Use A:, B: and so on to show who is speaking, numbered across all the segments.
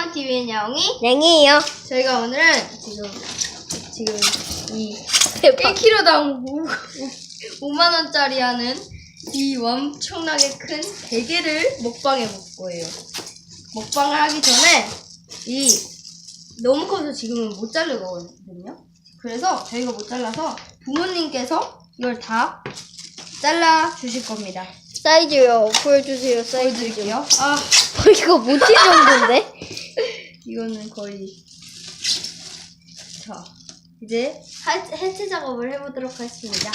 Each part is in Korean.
A: TV의 야옹이
B: 냥이에요.
A: 저희가 오늘은 지금 이 1kg당 5만 원짜리 하는 이 엄청나게 큰 대게를 먹방해 볼 거예요. 먹방을 하기 전에 이 너무 커서 지금은 못 자를 거거든요. 그래서 저희가 못 잘라서 부모님께서 이걸 다 잘라 주실 겁니다.
B: 사이즈요. 보여주세요. 사이즈 좀.
A: 보여드릴게요.
B: 이거 모티 정도인데?
A: 이거는 거의 자 이제 해체 작업을 해보도록 하겠습니다.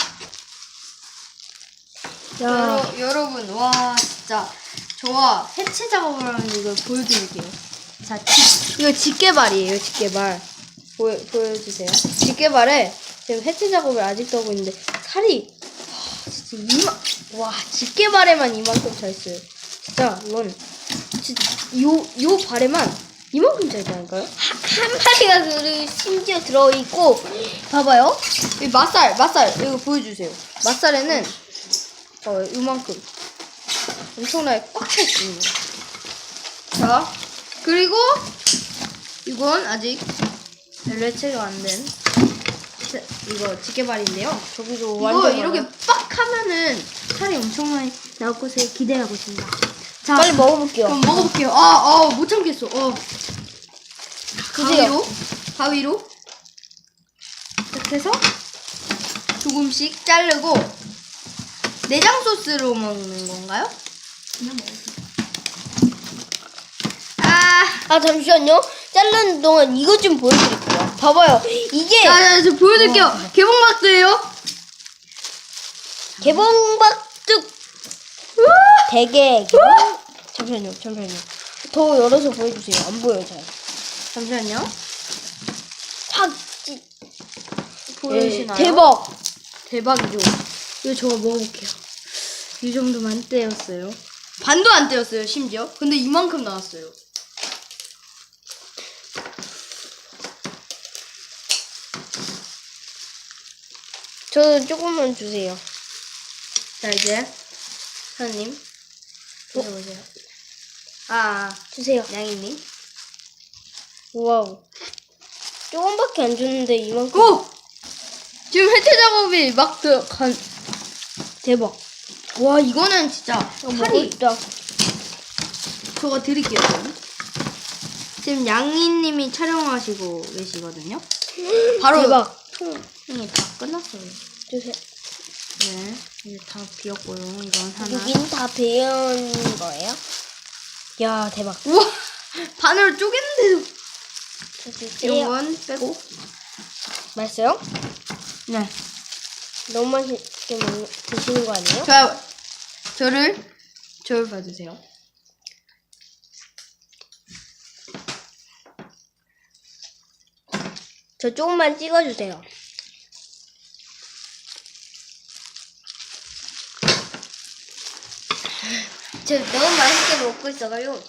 B: 야.
A: 여러분 와 진짜 저와 해체 작업을 하는 이걸 보여드릴게요. 자 이거 집게발이에요. 집게발 보여주세요. 집게발에 지금 해체 작업을 아직도 하고 있는데 살이 진짜 집게발에만 이만큼 차 있어요. 진짜 이건 진짜 요 발에만 이만큼 차 있다니까요.
B: 한 마리가 심지어 들어있고, 봐봐요.
A: 이 맛살 이거 보여주세요. 맛살에는 요만큼 엄청나게 꽉 차 있습니다. 자 그리고 이건 아직 별로 해체가 안 된 이거 집게발인데요.
B: 저기도
A: 이거
B: 완전
A: 이렇게
B: 많아.
A: 빡 하면은 살이 엄청 많이 나올 것을 기대하고 있습니다. 자
B: 빨리 먹어볼게요.
A: 그럼 먹어볼게요. 못 참겠어.
B: 드세요.
A: 가위로 이렇게 해서 조금씩 자르고 내장 소스로 먹는 건가요? 그냥 먹어요.
B: 잠시만요. 자르는 동안 이것 좀 보여드릴게요. 봐봐요. 이게
A: 저 보여드릴게요. 개봉박스예요.
B: 개봉박죽 대게. 잠시만요. 더 열어서 보여주세요. 안 보여요, 잘.
A: 잠시만요.
B: 확
A: 보이시나요?
B: 대박.
A: 대박이죠. 이거 저거 먹어볼게요. 이 정도만 떼었어요. 반도 안 떼었어요, 심지어. 근데 이만큼 나왔어요.
B: 저 조금만 주세요.
A: 자, 이제 사장님 드셔보세요.
B: 주세요.
A: 양이님.
B: 와우. 조금밖에 안 줬는데 이만큼.
A: 오! 지금 해체 작업이 막 들어간. 대박. 와, 이거는 진짜 살이
B: 있다.
A: 저거 드릴게요. 지금 양이님이 촬영하시고 계시거든요. 바로
B: 대박.
A: 통이 다 끝났어요.
B: 주세요.
A: 네, 이제 다 비었고요. 이건 하나.
B: 여긴 다 배연 거예요? 야, 대박.
A: 우와! 반으로 쪼갰는데도
B: 주세요.
A: 이런 건 빼고.
B: 맛있어요?
A: 네.
B: 너무 맛있게 드시는 거 아니에요?
A: 저를 봐주세요.
B: 저 조금만 찍어주세요. 저 너무 맛있게 먹고 있어가지고.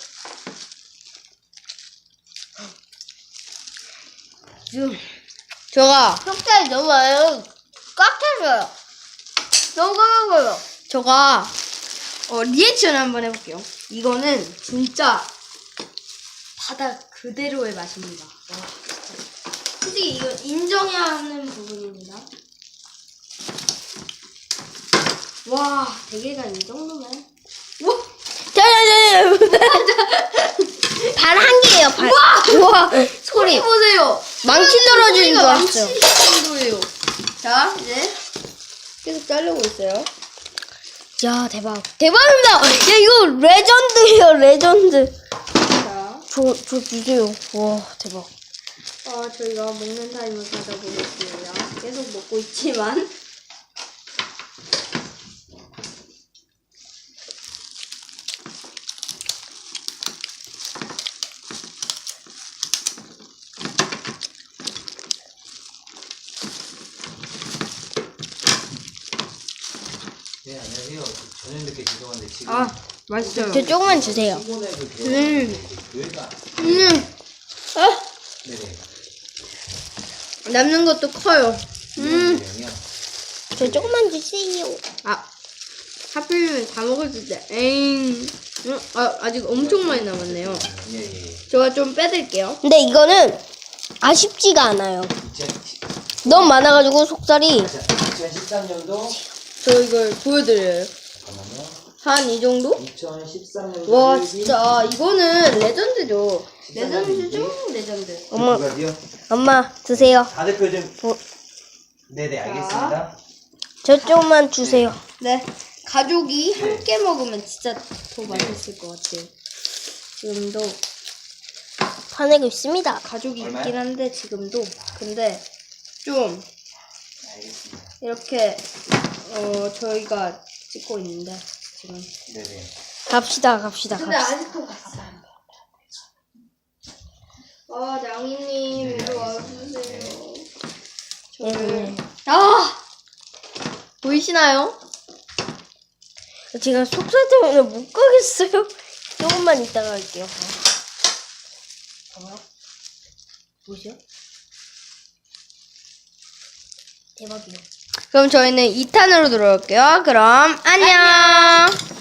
A: 저가
B: 속살이 너무 많아요. 꽉 찼어요. 너무 까먹어요.
A: 저가 리액션 한번 해볼게요. 이거는 진짜 바다 그대로의 맛입니다. 와, 진짜. 솔직히 이거 인정해야 하는 부분입니다. 와, 대게가 이 정도면. 와,
B: 발 한 개예요, 발.
A: 우와,
B: 소리.
A: 보세요.
B: 망치 떨어지는 줄
A: 망치
B: 알았어요.
A: 정도예요. 자, 이제 계속 자르고 있어요.
B: 야, 대박. 대박입니다. 야, 이거 레전드예요, 레전드.
A: 자,
B: 저 주세요. 와, 대박.
A: 저희가 먹는 타임을 가져보겠습니다. 계속 먹고 있지만.
C: 네, 안녕하세요. 저녁 늦게 죄송한데 지금
A: 맛있어요.
B: 저 조금만 주세요.
C: 일본에 그 교회가 네네
A: 남는 것도 커요.
C: 유명해요.
B: 저 조금만 주세요.
A: 하필이면 다 먹었을 때, 에잉. 아직 엄청 많이 남았네요.
C: 예, 예.
A: 제가 좀 빼드릴게요.
B: 근데 이거는 아쉽지가 않아요.
C: 2010,
B: 너무 많아가지고 속살이
C: 2013년도
A: 저 이걸 보여드려요.
C: 잠깐만요.
A: 한 이 정도?
C: 2013년도
A: 와 진짜 이거는 레전드죠.
C: 13년
A: 레전드죠? 레전드.
B: 엄마.
C: 두 가지요?
B: 엄마 드세요.
C: 다들 좀 네네 알겠습니다.
B: 저 조금만 주세요.
A: 네. 가족이 함께 먹으면 진짜 더 맛있을 것 같아요. 지금도
B: 화내고 있습니다.
A: 가족이
C: 얼마요?
A: 있긴 한데 지금도 근데 좀
C: 알겠습니다.
A: 이렇게 저희가 찍고 있는데 지금.
C: 네네.
B: 갑시다. 갑시다.
A: 아직도 갔어. 냥이님
C: 네,
A: 이리
C: 알겠습니다.
A: 와주세요.
B: 네.
A: 보이시나요?
B: 제가 속살 때문에 못 가겠어요. 조금만 이따가 할게요. 봐봐요. 보이세요? 대박이에요.
A: 그럼 저희는 2탄으로 들어올게요. 그럼 안녕.